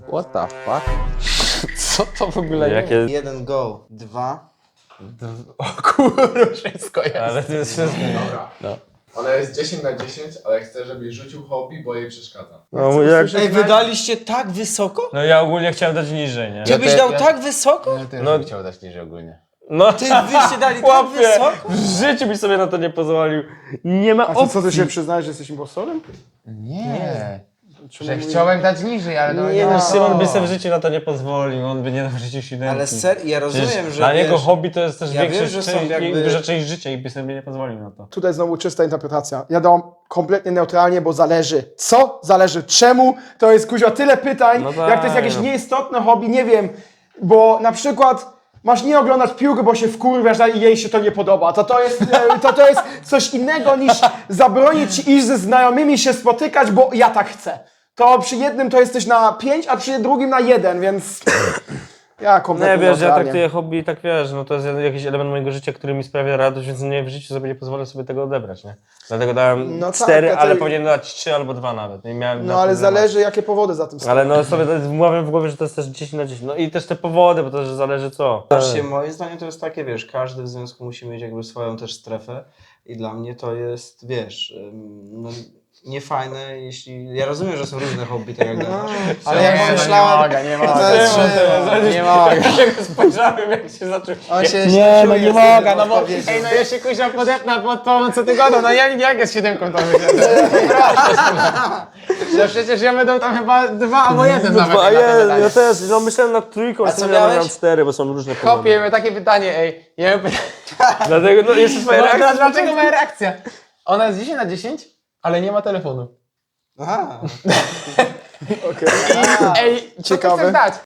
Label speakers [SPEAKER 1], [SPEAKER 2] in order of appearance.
[SPEAKER 1] What the fuck?
[SPEAKER 2] Co to w ogóle jest?
[SPEAKER 3] Jakie...
[SPEAKER 4] 1 go, 2.
[SPEAKER 2] O kurwa, wszystko jest.
[SPEAKER 3] Ale to jest wszystko.
[SPEAKER 5] Dobra.
[SPEAKER 3] No.
[SPEAKER 5] Ona jest 10 na 10, ale chcę, żebyś rzucił hobby, bo jej przeszkadza.
[SPEAKER 3] No, jak...
[SPEAKER 4] Ej, wydaliście tak wysoko?
[SPEAKER 3] no ja ogólnie chciałem dać niżej, nie?
[SPEAKER 4] Ty byś dał tak wysoko?
[SPEAKER 5] Ja też
[SPEAKER 3] No.
[SPEAKER 5] bym chciał dać niżej ogólnie.
[SPEAKER 3] No
[SPEAKER 4] Ty byście dali tak
[SPEAKER 3] chłopie,
[SPEAKER 4] wysoko?
[SPEAKER 3] w życiu byś sobie na to nie pozwolił. Nie ma
[SPEAKER 2] A to
[SPEAKER 3] opcji.
[SPEAKER 2] co, ty się przyznajesz, że jesteś impostorem?
[SPEAKER 5] Nie.
[SPEAKER 2] Czemu
[SPEAKER 5] Że
[SPEAKER 2] mówisz-
[SPEAKER 5] chciałem dać niżej, ale to
[SPEAKER 3] Nie no, Szymon by sobie w życiu na to nie pozwolił, on by nie dał w życiu siódemki.
[SPEAKER 4] Ale ja rozumiem,
[SPEAKER 3] Przecież
[SPEAKER 4] że
[SPEAKER 3] dla niego
[SPEAKER 4] wiesz,
[SPEAKER 3] hobby to jest też
[SPEAKER 4] ja
[SPEAKER 3] większa
[SPEAKER 4] wiem, że są
[SPEAKER 3] część,
[SPEAKER 4] jakby-
[SPEAKER 3] duża część życia i by sobie nie pozwolił na to.
[SPEAKER 2] Tutaj znowu czysta interpretacja. Ja dałam kompletnie neutralnie, bo zależy. Co? Zależy. Czemu? To jest kuźwa tyle pytań,
[SPEAKER 3] No tak,
[SPEAKER 2] jak to jest jakieś
[SPEAKER 3] no.
[SPEAKER 2] nieistotne hobby, nie wiem. Bo na przykład masz nie oglądać piłki, bo się wkurwiasz i jej się to nie podoba. To jest coś innego niż zabronić ci iść ze znajomymi się spotykać, bo ja tak chcę. To przy jednym to jesteś na 5, a przy drugim na 1, więc ja kompletnie
[SPEAKER 3] Nie wiesz, ja
[SPEAKER 2] neutralnie.
[SPEAKER 3] traktuję hobby i tak wiesz, no to jest jakiś element mojego życia, który mi sprawia radość, więc nie w życiu sobie nie pozwolę sobie tego odebrać, nie? Dlatego dałem
[SPEAKER 2] No tak,
[SPEAKER 3] 4,
[SPEAKER 2] ja
[SPEAKER 3] ale
[SPEAKER 2] to-
[SPEAKER 3] powinienem dać 3 albo 2 nawet. Nie miałem
[SPEAKER 2] No
[SPEAKER 3] na
[SPEAKER 2] ale
[SPEAKER 3] to dylematu.
[SPEAKER 2] zależy jakie powody za tym stoją.
[SPEAKER 3] Ale no sobie wmawiam w głowie, że to jest też 10 na 10. No i też te powody, bo to też zależy co.
[SPEAKER 4] Patrzcie, moim zdaniem to jest takie, wiesz, każdy w związku musi mieć jakby swoją też strefę i dla mnie to jest, wiesz, no, niefajne, jeśli... Ja rozumiem, że są różne hobby, tak jak gadasz, ale jak pomyślałem...
[SPEAKER 2] nie
[SPEAKER 4] To jest,
[SPEAKER 3] Nie mogę. Jak spojrzałem, jak się zaczął.
[SPEAKER 4] on się
[SPEAKER 1] Nie, no nie mogę, no bo...
[SPEAKER 4] odpowiedział.
[SPEAKER 1] Ej, no ja się kuźwa podepnę pod tą, co ty godą, no jak jest 7 to No przecież ja będą tam chyba 2 albo 1 nawet.
[SPEAKER 3] A
[SPEAKER 1] na te pytanie.
[SPEAKER 3] ja też, no myślałem nad trójką,
[SPEAKER 4] A
[SPEAKER 3] a
[SPEAKER 4] co
[SPEAKER 3] co
[SPEAKER 4] miałeś?
[SPEAKER 3] miałem 4, bo są różne powody.
[SPEAKER 1] Chłopie, miałem takie pytanie, ej. Ja miałem pytanie,
[SPEAKER 3] Dlatego, no jeszcze twoja reakcja.
[SPEAKER 1] dlaczego moja reakcja? Ona jest 10 na 10, ale nie ma telefonu.
[SPEAKER 4] Aha.
[SPEAKER 2] Okej.
[SPEAKER 1] Ej, co ty
[SPEAKER 2] Ciekawe.
[SPEAKER 1] chcesz dać?